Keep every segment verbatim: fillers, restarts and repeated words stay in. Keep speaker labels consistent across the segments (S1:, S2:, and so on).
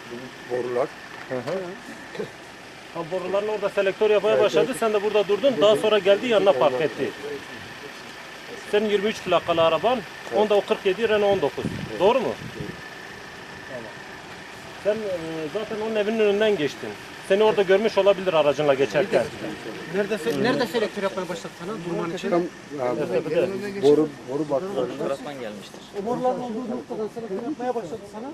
S1: borular.
S2: Hı hı. Ha, boruların orada selektör yapmaya başladı. Sen de burada durdun. Daha sonra geldi yanına park etti. Senin yirmi üç plakalı araban. Onda o kırk yedi Renault on dokuz. Doğru mu? Tamam. Sen e, zaten onun evinin önünden geçtin. Seni orada görmüş olabilir aracınla geçerken.
S3: Nerede se- nerede selektör yapmaya başladı sana durman için?
S1: Tam e, boru boru baklarında.
S4: Taraftan gelmiştir.
S3: O boruların olduğu noktadan selektör yapmaya başladı sana.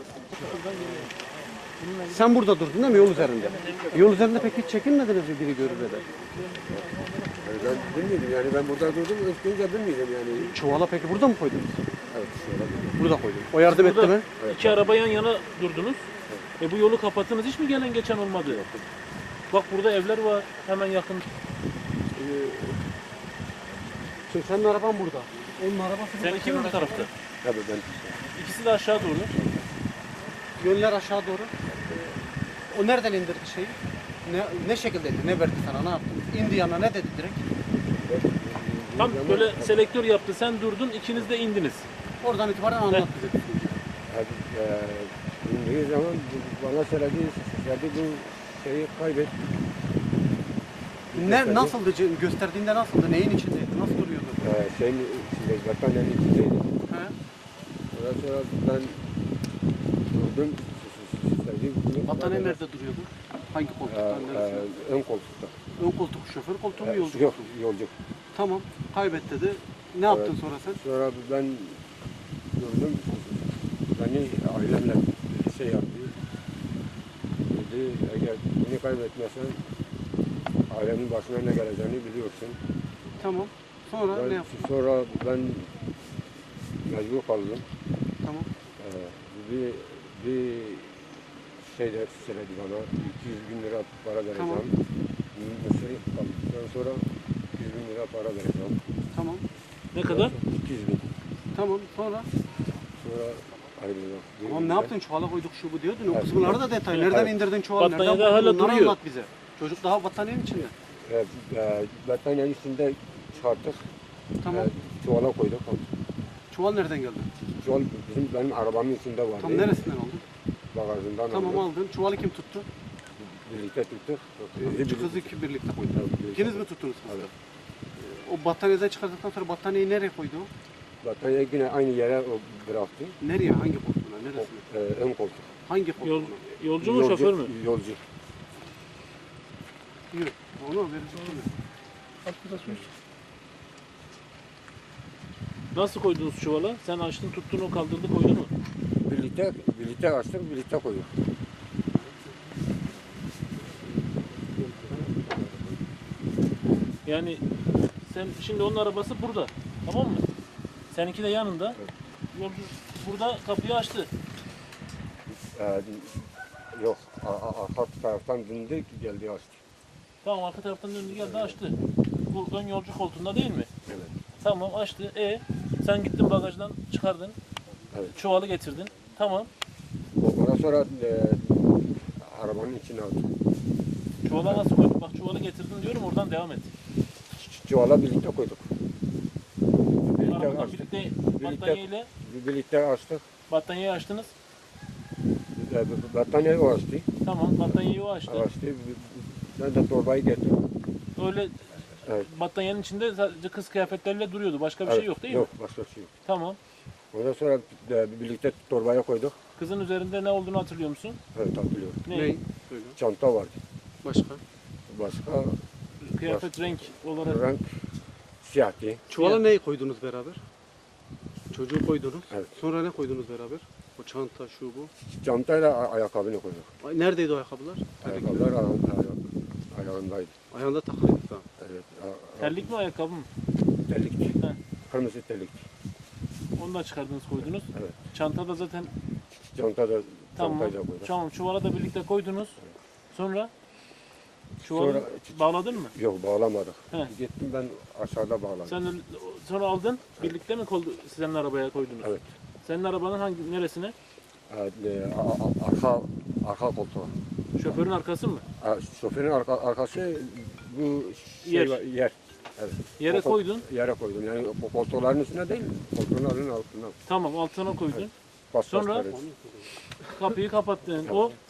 S3: Sen burada durdun değil mi yol üzerinde? Yol üzerinde peki hiç çekinmediniz mi biri görür de?
S1: Yani ben bilmiyordum yani ben burada durdum. Önce bilmiyordum yani.
S3: Çuvala peki burada mı koydunuz?
S1: Evet şöyle.
S3: Burada koydum. O yardım etti mi?
S5: İki araba yan yana durdunuz. E bu yolu kapattınız. Hiç mi gelen geçen olmadı? Bak burada evler var. Hemen yakın.
S3: Şimdi senin araban burada. Onun arabası burada.
S5: Seninki mi bu tarafta?
S1: Tabii ben.
S5: İkisi de aşağı doğru.
S3: Yönler aşağı doğru. O nereden indirdi şeyi? Ne, ne şekilde indi? Ne verdi sana? Ne yaptı? İndi yanına ne dedi direkt?
S5: Tam böyle selektör yaptı. Sen durdun. İkiniz de indiniz.
S3: Oradan itibaren anlat bize.
S1: Abi, e, indiği zaman bana söyledi, söyledi bu şeyi kaybet.
S3: Ne, nasıldı? Gösterdiğinde nasıldı? Neyin içindeydi? Nasıl duruyordu?
S1: E, şeyin içinde, battaniyenin içindeydi.
S3: He?
S1: Ondan sonra ben durdum. Söyledi,
S3: Battaniye nerede duruyordu? Hangi
S1: E,
S3: koltukta?
S1: e,
S3: Neresi?
S1: ön koltukta.
S3: Ön koltuk şoför koltuğu mu
S1: E,
S3: yolcu
S1: Yok,
S3: koltuğu mu?
S1: yolcu.
S3: Tamam. Kaybet dedi. Ne yaptın sonra sen?
S1: Sonra ben durdum. Beni ailemle şey yaptı. Dedi, eğer beni kaybetmezsen ailemin başına ne geleceğini biliyorsun.
S3: Tamam. Sonra
S1: Ben,
S3: ne yaptın?
S1: sonra ben mecbur kaldım.
S3: Tamam.
S1: Ee, bir, bir şey de söyledi bana. iki yüz bin lira para vereceğim.
S3: Tamam.
S1: Mısır kaldıktan sonra iki yüz bin lira para vereceğim.
S3: Tamam.
S5: Ne kadar?
S1: iki yüz bin.
S3: Tamam. Sonra?
S1: Sonra ayrıldım.
S3: Tamam ne yaptın? Çuvala koyduk şu bu diyordun. O
S1: Evet.
S3: kısımları da detay. Nereden
S1: Evet.
S3: indirdin çuvalı?
S5: Battaniye
S3: Nereden
S5: de hala
S3: buldun? Onları
S5: duruyor.
S3: anlat bize. Çocuk daha battaniyenin içinde.
S1: E, e, battaniyenin içinde çıkarttık.
S3: Tamam.
S1: E, çuvala koyduk.
S3: Çuval nereden geldi?
S1: Çuval bizim benim arabamın içinde vardı.
S3: Tam neresinden aldın?
S1: Bagajından
S3: Tamam
S1: aldık.
S3: aldın. Çuvalı kim tuttu?
S1: Birlikte tuttuk.
S3: Üç kız iki birlikte koydu.
S1: Evet,
S3: İkiniz mi tuttunuz kızı?
S1: Evet.
S3: O battaniyeden çıkardıktan sonra battaniyeyi nereye koydu o?
S1: Battaniye yine aynı yere o bıraktı.
S3: Nereye? Hangi koltuğuna?
S1: O,
S3: Neresine?
S1: e, ön koltuk.
S3: Hangi koltuğuna?
S5: Yol, yolcu mu şoför mü?
S1: Yolcu.
S3: Yürü. Onu verecek mi?
S5: Nasıl koydunuz çuvala? Sen açtın, tuttun, o kaldırdı, koydu mu?
S1: Birlikte, birlikte açtık, birlikte koyduk.
S5: Yani sen şimdi onun arabası burada. Tamam mı? Seninki de yanında. Yolcu burada kapıyı açtı.
S1: E, yok, a- a- arka taraftan döndü, geldi açtı.
S5: Tamam, arka taraftan döndü geldi açtı. Bu ön yolcu koltuğunda değil mi?
S1: Evet.
S5: Tamam, açtı. E sen gittin bagajdan çıkardın.
S1: Evet.
S5: Çuvalı getirdin. Tamam.
S1: Ondan sonra e, arabanın içine aldık.
S5: Çuvala nasıl koydun? Bak çuvalı getirdin diyorum, oradan devam et.
S1: Ç- Çuvala birlikte koyduk. Birlikte
S5: Arabadan
S1: açtık.
S5: birlikte
S1: Birlikte,
S5: battaniyeyle
S1: birlikte açtık.
S5: battaniyeyi açtınız.
S1: E, battaniye o açtı.
S5: Tamam, battaniyeyi o açtı.
S1: Açtı. Ben de torbayı getirdim.
S5: Öyle
S1: Evet.
S5: battaniyenin içinde sadece kız kıyafetleriyle duruyordu. Başka bir şey
S1: Evet,
S5: yok değil
S1: yok,
S5: mi?
S1: başka bir şey yok.
S5: Tamam.
S1: Ondan sonra e, birlikte torbaya koyduk.
S5: Kızın üzerinde ne olduğunu hatırlıyor musun?
S1: Evet, hatırlıyorum.
S5: Ne?
S3: Ney? Söyle.
S1: Çanta vardı.
S3: Başka?
S1: Başka
S5: Kıyafet renk olarak.
S1: renk siyahtı.
S3: Çuvala neyi koydunuz beraber? Çocuğu koydunuz.
S1: Evet.
S3: Sonra ne koydunuz beraber? O çanta, şu bu.
S1: Çantayla a- ayakkabını koyduk.
S3: Ay, neredeydi o ayakkabılar?
S1: Ayakkabılar aya- aya- ayağındaydı.
S3: Ayağında takılıydı tamam.
S1: Evet. a- a-
S5: Terlik mi ayakkabı mı?
S1: Terlikti.
S5: He.
S1: Kırmızı terlikti.
S5: Onu da çıkardınız koydunuz.
S1: Evet.
S5: Çanta da zaten
S1: Çanta da
S5: tamam.
S1: çantayla koyduk.
S5: Tamam, çuvala da birlikte koydunuz. Sonra çuvalı
S1: Sonra-
S5: bağladın mı?
S1: Yok, bağlamadık.
S5: He.
S1: Gittim ben aşağıda bağladım.
S5: Sen de sonra aldın. Birlikte mi koldu, senin arabaya koydunuz?
S1: Evet.
S5: Senin arabanın hangi neresine?
S1: Evet, e, a- a- arka arka koltuğa.
S5: Şoförün arkası mı?
S1: A- Şoförün arka, arkası bu şey
S5: Yer.
S1: var, yer. Evet.
S5: Yere
S1: O kol-
S5: koydun.
S1: Yere koydum. Yani o koltukların üstüne değil, koltukların altına.
S5: Tamam, altına koydun.
S1: Pas
S5: Sonra?
S1: pasları.
S5: Kapıyı kapattın. O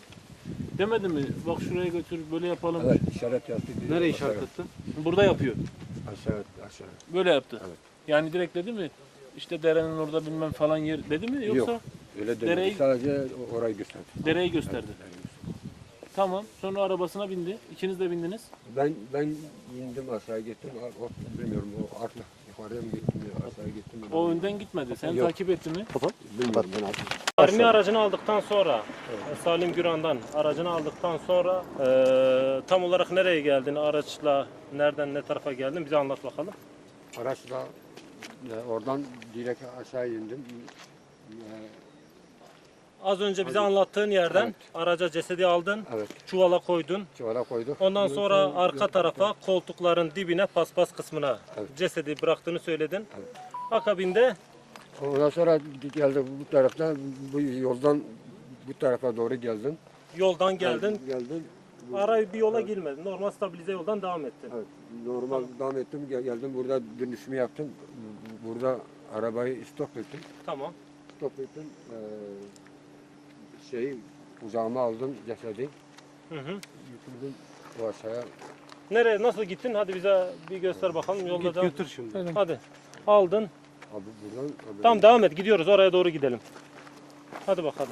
S5: Demedi mi? Bak şuraya götür, böyle yapalım.
S1: Evet, işaret yaptı. dedi.
S3: Nereye
S1: Aşağı-
S3: işaret etti?
S5: Burada yapıyor.
S1: Aşağı, aşağı.
S5: Böyle yaptı.
S1: Evet.
S5: Yani direkt dedi mi? İşte derenin orada bilmem falan yer dedi mi? Yoksa
S1: Yok, öyle demedi.
S5: Dereyi-
S1: Sadece orayı gösterdi.
S5: dereyi gösterdi.
S1: Evet.
S5: Tamam. Sonra arabasına bindi. İkiniz de bindiniz.
S1: Ben ben indim aşağı gittim. O, bilmiyorum o artık yukarıya mı gittim ya aşağı gittim. mi?
S5: O önden gitmedi. Sen
S1: Yok.
S5: takip etti mi?
S1: Bilmiyorum ben artık.
S2: Armi aracını aldıktan sonra, Salim Güran'dan aracını aldıktan sonra eee, tam olarak nereye geldin? Araçla nereden ne tarafa geldin? Bize anlat bakalım.
S1: Araçla e, oradan direkt aşağı indim. E,
S2: Az önce bize anlattığın yerden
S1: Evet.
S2: araca cesedi aldın,
S1: evet,
S2: çuvala koydun.
S1: çuvala koyduk.
S2: Ondan sonra arka tarafa koltukların dibine paspas kısmına
S1: Evet.
S2: cesedi bıraktığını söyledin.
S1: Evet.
S2: Akabinde
S1: Ondan sonra geldi bu taraftan, bu yoldan bu tarafa doğru geldim.
S2: yoldan geldin.
S1: Geldim. Bu-
S2: Arayı bir yola girmedin. Normal stabilize yoldan devam ettin.
S1: Evet, normal devam ettim. Gel- Geldim burada dönüşümü yaptım. Burada arabayı stop ettim.
S2: Tamam.
S1: Stop ettim. Ee, şeyi kucağıma aldım cesedi.
S2: Hı hı.
S1: Yüküldüm o aşağıya.
S2: Nereye nasıl gittin? Hadi bize bir göster bakalım. Yolda
S3: Git
S2: devam.
S3: götür şimdi.
S2: Hadi. Aldın.
S1: Abi buradan. Abi,
S2: Tamam devam et. Gidiyoruz. Oraya doğru gidelim. Hadi bakalım.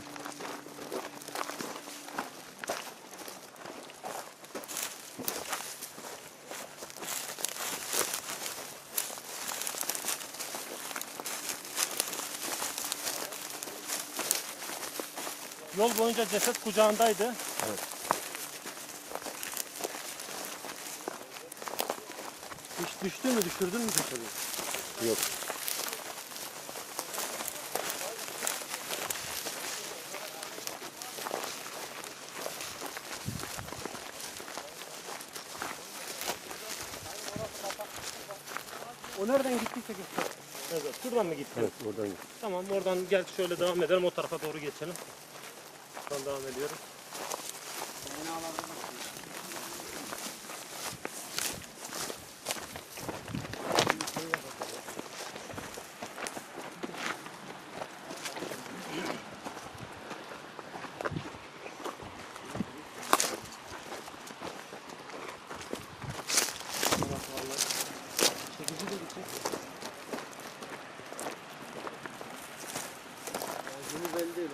S2: Yol boyunca ceset kucağındaydı.
S1: Evet.
S3: Hiç düştü mü, düşürdün mü cesedi?
S1: Yok.
S3: O nereden gittiyse göster.
S2: Evet. Şuradan mı gittin?
S1: Evet oradan.
S2: Tamam oradan gel şöyle devam edelim. O tarafa doğru geçelim. Buradan devam ediyoruz.
S3: Çekici de gidecek. Yüzümü belli değil.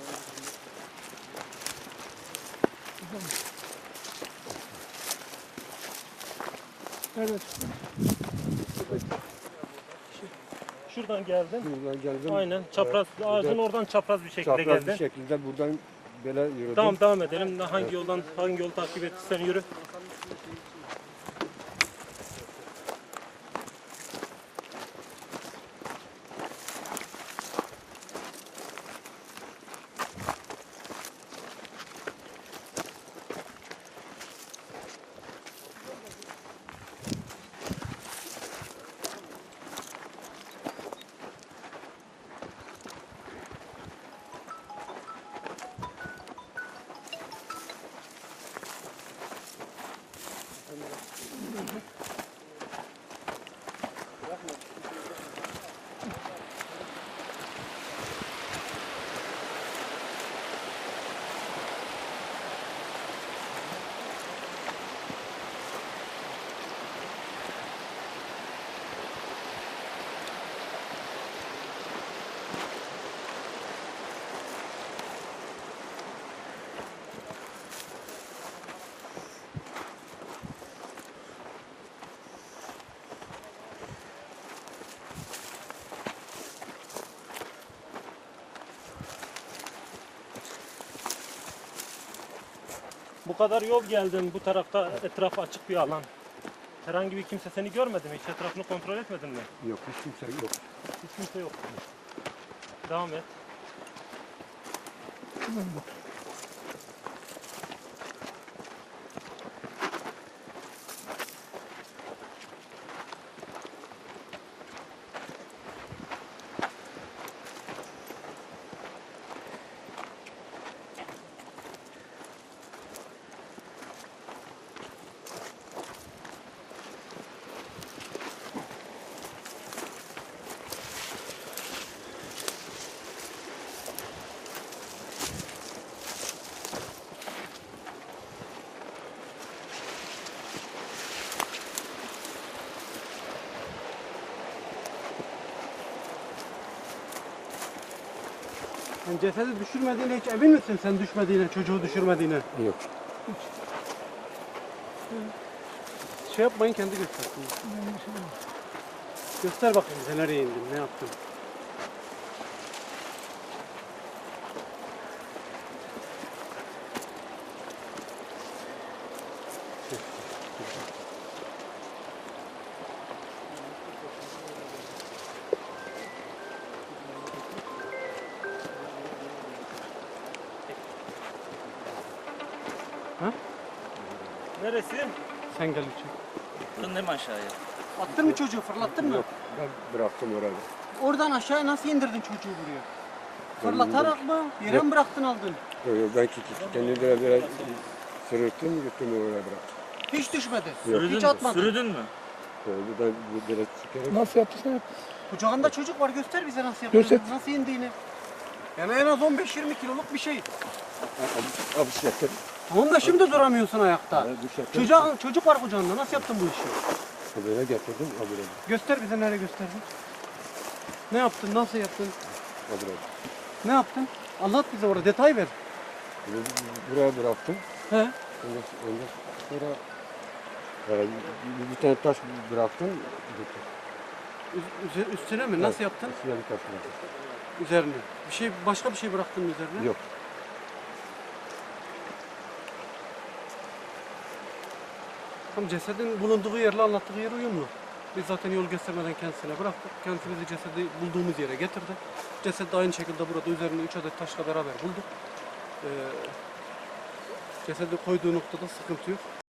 S2: Evet. Şuradan geldin.
S1: Buradan geldim.
S2: Aynen. Çapraz
S1: Evet,
S2: ağacın
S1: buradan
S2: oradan çapraz bir şekilde
S1: çapraz
S2: geldin.
S1: bir şekilde buradan böyle yürüdüm.
S2: Tamam devam edelim. Hangi yoldan hangi yolu takip ettiysen yürü. Bu kadar yol geldin. Bu tarafta etraf açık bir alan. Herhangi bir kimse seni görmedi mi? Hiç etrafını kontrol etmedin mi?
S1: Yok hiç kimse yok.
S2: Hiç kimse yok. Devam et.
S3: Yani cesedi düşürmediğine hiç emin misin sen düşmediğine, çocuğu düşürmediğine?
S1: Yok.
S3: Şey yapmayın, kendi göstersin. Göster bakayım bize nereye indin, ne yaptın?
S2: Neresi?
S3: Sen gel içeri.
S4: Fırın mi aşağıya?
S3: Attın mı çocuğu, fırlattın mı?
S1: Yok. Ben bıraktım orada.
S3: Oradan aşağıya nasıl indirdin çocuğu buraya? Fırlatarak mı? Yere mi bıraktın aldın?
S1: Yok yok, ben kendimi biraz biraz sırıttım, gittim oraya bıraktım.
S3: Hiç düşmedi.
S4: Sürüdün
S3: Hiç
S4: mü?
S3: atmadın.
S4: Sürüdün mü?
S1: Oldu ben bu biraz çıkarak.
S6: Nasıl yaptıysan yap.
S3: Kucağında çocuk var, göster bize nasıl yaptığını,
S6: Göster.
S3: nasıl indiğini. Yani en az on beş yirmi kiloluk bir şey.
S1: Abi, abi şey yaptım.
S3: Tamam da şimdi duramıyorsun ayakta.
S1: Abi, bir şey yaptım.
S3: Çocuk, çocuk var kucağında, nasıl yaptın bu işi?
S1: Böyle getirdim, abi böyle.
S3: Göster bize, nereye gösterdin? Ne yaptın, nasıl yaptın?
S1: Abi böyle.
S3: Ne yaptın? Anlat bize orada, detay ver.
S1: Bunu buraya bıraktım.
S3: He?
S1: Ondan, ondan sonra e, bir, bir tane taş bıraktım. Gitti.
S3: Üz- üze- üstüne mi? Nasıl yaptın?
S1: Üstüne bir taş bıraktım.
S3: Üzerine. Bir şey, başka bir şey bıraktın mı üzerine?
S1: Yok.
S3: Tam cesedin bulunduğu yerle anlattığı yer uyumlu. Biz zaten yol göstermeden kendisine bıraktık. Kendisi bizi cesedi bulduğumuz yere getirdi. Ceset de aynı şekilde burada üzerine üç adet taşla beraber bulduk. Ee, cesedi koyduğu noktada sıkıntı yok.